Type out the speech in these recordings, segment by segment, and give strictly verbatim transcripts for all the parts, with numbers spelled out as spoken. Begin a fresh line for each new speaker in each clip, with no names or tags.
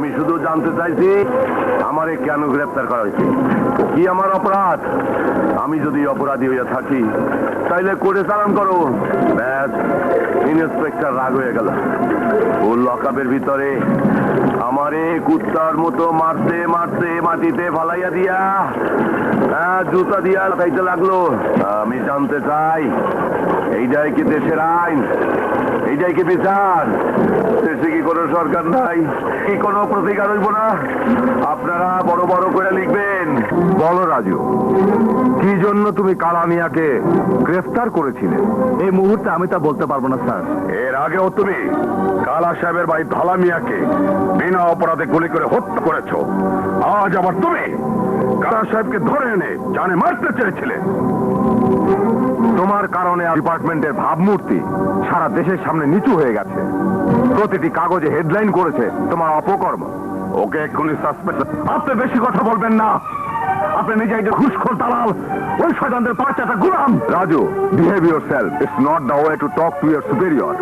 আমি শুধু জানতে চাইছি আমারে কেন গ্রেফতার করা হয়েছে, কি আমার অপরাধ? আমি যদি অপরাধী হইয়া থাকি তাইলে কোর্টে চালান করো। ব্যাস, ইন্সপেক্টর রাগ হয়ে গেল। ও লকআপের ভিতরে আমারে কুত্তার মতো মারতে মারতে মাটিতে ফালাইয়া দিয়া হ্যাঁ জুতা দিয়া খাইতে লাগলো। আমি জানতে চাই এইটাই কি দেশের আইন? এইটাই কি বিচার? দেশে কি কোনো সরকার নাই? কি কোনো প্রতিকার হইব না? আপনারা বড় বড় করে লিখবেন। বলো রাজু, কি জন্য তুমি কালা মিয়াকে গ্রেফতার করেছিলে?
এই মুহূর্তে আমি তা বলতে পারবো না স্যার।
এর আগেও তুমি কালা সাহেবের ভাই ভালা মিয়াকে বিনা অপরাধে গুলি করে হত্যা করেছো। আজ আবার তুমি কালা সাহেবকে ধরে এনে জানে মারতে চেয়েছিলে। তোমার কারণে ডিপার্টমেন্টের ভাবমূর্তি সারা দেশের সামনে নিচু হয়ে গেছে। প্রতিটি কাগজে হেডলাইন করেছে তোমার অপকর্ম। ওকে এক্ষুনি সাসপেন্ড। আপনি বেশি কথা বলবেন না। আপনি নিজে একজন ঘুষখোর দালাল, ওই শয়তানদের পাঁচটা গোলাম। Raju, behave yourself. It's not the way to talk to your superior.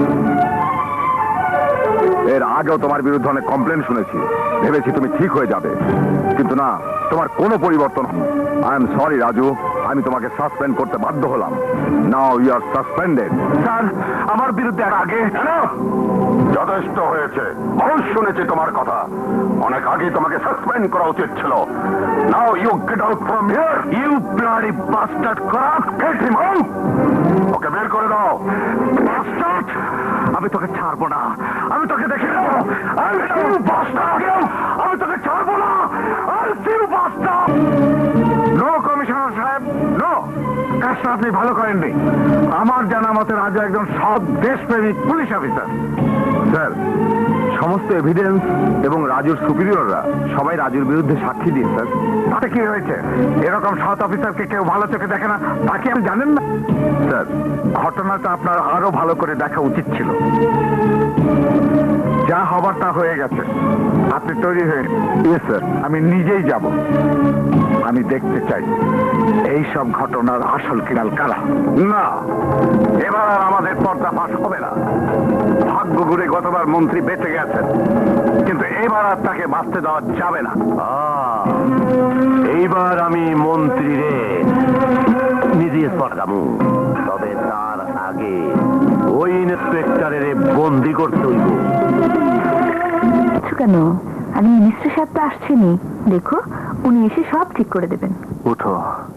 এর আগেও তোমার বিরুদ্ধে অনেক কমপ্লেন শুনেছি, ভেবেছি তুমি ঠিক হয়ে যাবে, কিন্তু না, তোমার কোনো পরিবর্তন। আই এম সরি রাজু, আমি তোমাকে সাসপেন্ড করতে বাধ্য হলাম। Now you are suspended. Sir, আমার বিরুদ্ধে আগে যথেষ্ট হয়েছে। মানুষ শুনেছে তোমার কথা। অনেক আগে তোমাকে সাসপেন্ড করা উচিত ছিল। Now you get out from here. You bloody bastard crack, get him out. ওকে বের করে দাও। বাস্টার্ড, আমি তোকে ছাড়বো না। আমি তোকে দেখে নেব। I will see you bastard. আমি তোকে ছাড়বো না। I will see you bastard. No commissioner সাহেব, নো। কাজটা আপনি ভালো করেননি। আমার জানা মতে রাজু একজন সৎ দেশপ্রেমিক পুলিশ অফিসার। স্যার, সমস্ত এভিডেন্স এবং রাজুর সুপিরিয়ররা সবাই রাজুর বিরুদ্ধে সাক্ষী দিয়ে স্যার। তাতে কি হয়েছে? এরকম সৎ অফিসারকে কেউ ভালো চোখে দেখে না, তাকে আপনি জানেন না? স্যার, ঘটনাটা আপনার আরো ভালো করে দেখা উচিত ছিল। যা হবার তা হয়ে গেছে। আপনি তৈরি হয়ে ইয়েস স্যার, আমি নিজেই যাব। আমি দেখতে চাই এই সব ঘটনার আসল কিনাল কারা। না, এবার আর আমাদের পর্দা ফাঁস হবে না। ভাগ্য ঘুরে গতবার মন্ত্রী বেঁচে গেছেন, কিন্তু এবার আর তাকে বাঁচতে দেওয়া যাবে না। এইবার আমি মন্ত্রী রে নিজে পড়াবো, তবে তার আগে ওই ইন্সপেক্টরের বন্দি করতে হইব।
কেন? আমি মিনিস্টার সাহেব তো আসছেনি, দেখো উনি এসে সব ঠিক করে দেবেন।
উঠো।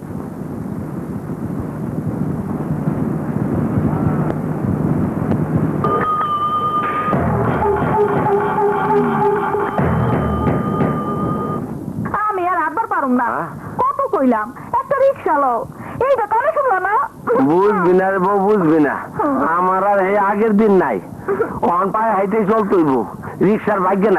আমি আর আটবার পারুম না। কত কইলাম একটা রিক্সা লও, এইটা কানে শুনলো না।
বুঝবি না রে বউ, বুঝবি না। আমার আর এই আগের দিন নাই। অন পায়ে হাইতে চলতইব, রিক্সার ভাগ্যে